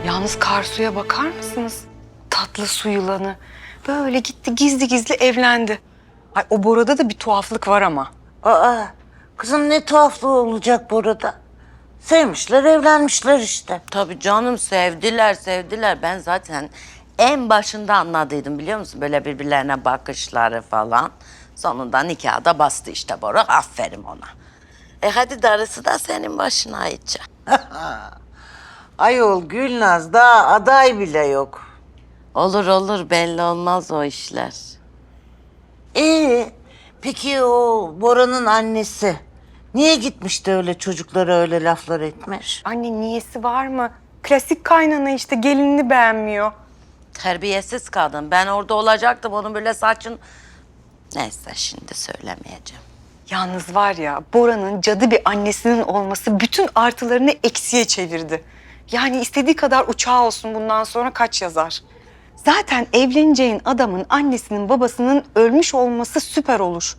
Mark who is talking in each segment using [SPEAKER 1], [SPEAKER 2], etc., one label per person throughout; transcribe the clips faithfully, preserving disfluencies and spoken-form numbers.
[SPEAKER 1] Yalnız Karsu'ya bakar mısınız? Tatlı su yılanı. Böyle gitti gizli gizli evlendi. Ay o Bora'da da bir tuhaflık var ama.
[SPEAKER 2] Aa, kızım ne tuhaflığı olacak burada. Sevmişler, evlenmişler işte.
[SPEAKER 3] Tabii canım, sevdiler sevdiler. Ben zaten en başında anladıydım, biliyor musun? Böyle birbirlerine bakışları falan. Sonunda nikahı da bastı işte Bora. Aferin ona. E hadi darısı da senin başına Ayça.
[SPEAKER 2] Ayol Gülnaz daha aday bile yok.
[SPEAKER 3] Olur olur, belli olmaz o işler.
[SPEAKER 2] Ee, peki o Bora'nın annesi niye gitmişti öyle çocuklara öyle laflar etmiş?
[SPEAKER 1] Anne niyesi var mı? Klasik kaynana işte gelinini beğenmiyor.
[SPEAKER 3] Terbiyesiz kadın. Ben orada olacaktım, onun böyle saçın... Neyse, şimdi söylemeyeceğim.
[SPEAKER 1] Yalnız var ya Bora'nın cadı bir annesinin olması bütün artılarını eksiye çevirdi. Yani istediği kadar uçağı olsun bundan sonra kaç yazar. Zaten evleneceğin adamın annesinin babasının ölmüş olması süper olur.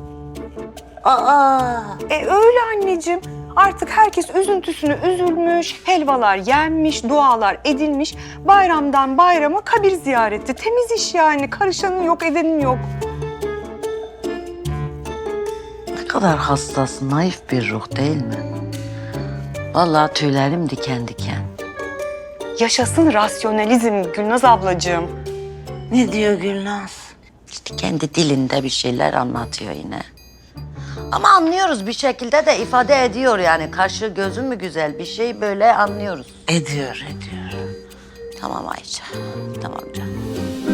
[SPEAKER 2] Aa,
[SPEAKER 1] E öyle anneciğim. Artık herkes üzüntüsünü üzülmüş, helvalar yenmiş, dualar edilmiş. Bayramdan bayrama kabir ziyareti. Temiz iş yani. Karışanın yok, edenin yok.
[SPEAKER 3] Ne kadar hassas, naif bir ruh değil mi? Vallahi tüylerim diken diken.
[SPEAKER 1] Yaşasın rasyonalizm Gülnaz ablacığım.
[SPEAKER 2] ne diyor Gülnaz?
[SPEAKER 3] İşte kendi dilinde bir şeyler anlatıyor yine. Ama anlıyoruz, bir şekilde de ifade ediyor yani. Kaşı gözü mü güzel, bir şey böyle anlıyoruz.
[SPEAKER 2] Ediyor, ediyor.
[SPEAKER 3] Tamam Ayça, tamam canım.